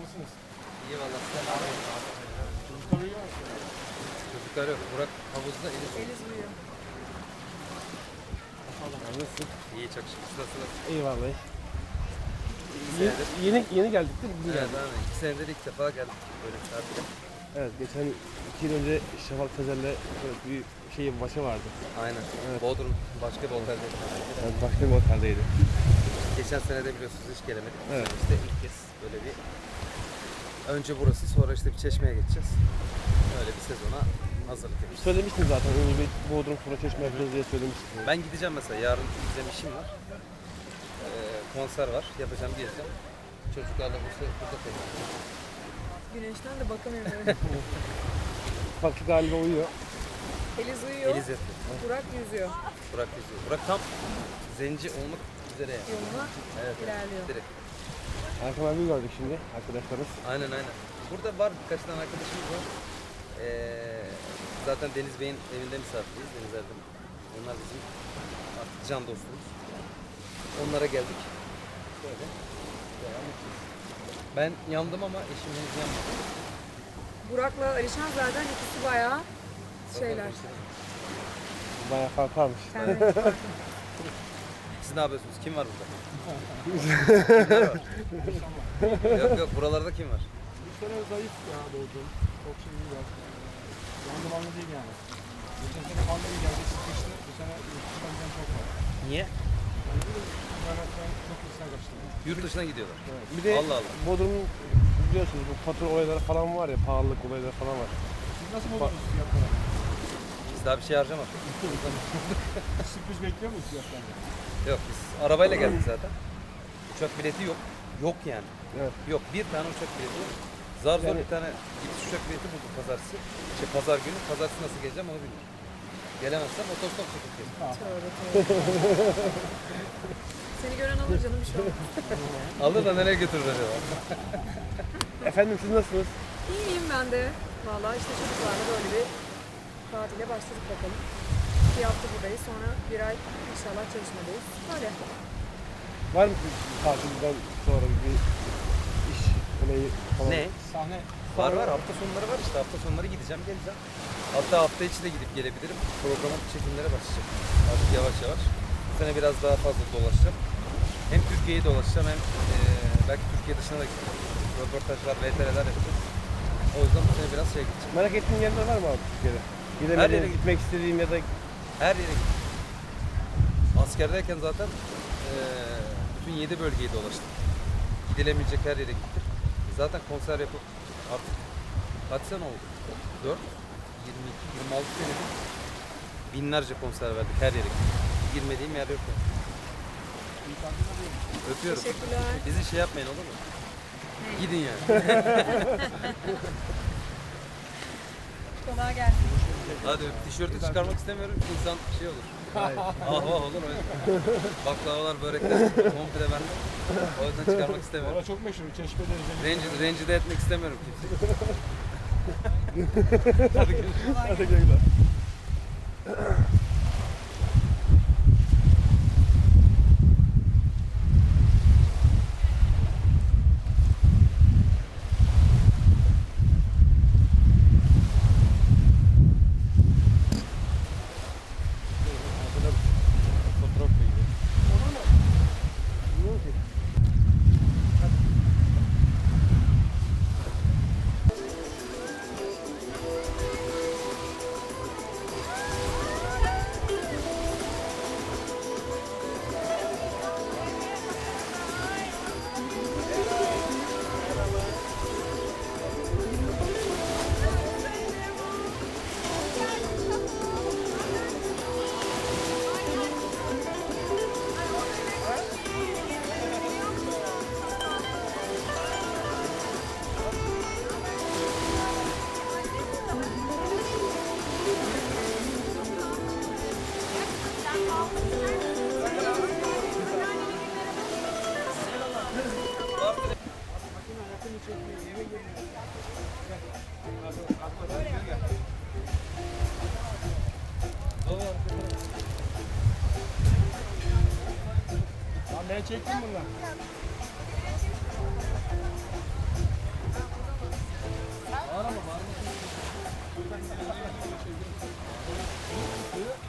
nasılsınız? İyi valla sen abi. Çocuklar uyuyor mu? Çocuklar yok. Burak havuzda Eliz. Eliz uyuyor. Nasılsın? İyi çok şükür. Nasılsınız? İyi vallahi. senedir. Yeni geldik değil mi? Bugün Evet geldik. abi. 2 senedir ilk defa geldim böyle bir tatile. Evet, geçen 2 yıl önce Şafak Tezer'le bir maçı vardı. Aynen. Evet. Bodrum başka bir otelde. Yani başka bir oteldeydi. Geçen sene de biliyorsunuz hiç gelemedik. Evet. İşte ilk kez böyle bir önce burası sonra işte bir Çeşme'ye geçeceğiz. Öyle bir sezona hazırlık yapıyoruz. Söylemiştin zaten, önce bir Bodrum sonra Çeşme yapacağız diye söylemiştin. Ben gideceğim mesela. Yarın gideceğim işim var. Konser var. Yapacağım geleceğim. Çocuklarla burada kalacağım. Güneşten de bakamıyorum. Farklı galiba uyuyor. Eliz uyuyor. Eliz yapıyor. Burak yüzüyor. Burak yüzüyor. Burak tam zenci olmak üzere yani. Yoluna Evet. ilerliyor. Direkt. Erkan abi gördük şimdi arkadaşlarız. Aynen. Burada var birkaç tane arkadaşımız var. Zaten Deniz Bey'in evinde misafiriyiz. Deniz Erdem. Onlar bizim artık can dostumuz. Onlara geldik. Böyle. Devam edeceğiz. Ben yandım ama eşim henüz yanmadı. Burak'la Alişan zaten ikisi bayağı şeyler. Bayağı fark varmış. Kendi Siz ne yapıyorsunuz? Kim var burada? Kimler var? Yok buralarda kim var? Bu sene zayıf ya doğdum. Çok şey iyi var. Yandım anlı değil yani. Geçen sene fazla iyi geldi, sıkıştı. Bu sene yurtdışından giden çok var. Niye? Yani bir de kaynaktan çok insan kaçtı. Yurt dışına gidiyorlar. Bir de Allah Allah. Bodrum'un biliyorsunuz bu fatura olayları falan var ya, pahalılık olayları falan var. Siz nasıl buldunuz fiyatları? Biz daha bir şey harcamadık. Sürpriz bekliyor muyuz fiyatlarını? Yok biz arabayla geldik zaten. Uçak bileti yok. Yok yani. Evet. Yok bir tane uçak bileti yok. Zar zor Yani- bir tane gidiş uçak bileti bulduk pazartesi. Pazar günü. Pazartesi nasıl geleceğim onu bilmiyorum. Gelemezsem otostop çekip geleceğim. tövbe tövbe. Seni gören alır canım bir şey olmaz. Alır da nereye götürür acaba? Efendim siz nasılsınız? İyiyim ben de. Valla işte çocuklarla böyle bir tatile başladık bakalım. Bir hafta buradayız, sonra bir ay inşallah çalışmadayız. Böyle. Var mı tatilden sonra bir iş olayı falan? Ne? Sahne Var hafta sonları var işte hafta sonları gideceğim geleceğim. Hatta hafta içi de gidip gelebilirim. Programın çekimlere başlayacak. Artık yavaş yavaş. Bu sene biraz daha fazla dolaşacağım. Hem Türkiye'yi dolaşacağım hem belki Türkiye dışına da gideceğim. Röportajlar, VTR'ler yapacağım. O yüzden bu sene biraz gideceğim. Merak ettiğin yerler var mı abi Türkiye'de? Her Gidemediğin, yere gitmek istediğin ya da Her yere gittim. Askerdeyken zaten bütün 7 bölgeyi dolaştım. Gidilemeyecek her yere gittim. Zaten konser yapıp artık kaç sene oldu? 4, 22, 26 senedir binlerce konser verdik her yere gittik. Girmediğim yer yok yani. Öpüyorum. Teşekkürler. Bizi şey yapmayın olur mu? Gidin yani. Kolay gelsin. Hadi tişörtü çıkarmak istemiyorum ki insan şey olur. Ah olur o yüzden. Baklavalar, börekler komple bende. O yüzden çıkarmak istemiyorum. orada çok meşhur. Çeşme dereceli. Rencide etmek istemiyorum kimseyi. Hadi görüşürüz. hadi güle. Fotoğraf koyuyor. Bilmiyorum ki. Lan ben çektim bunlar. Buyurun.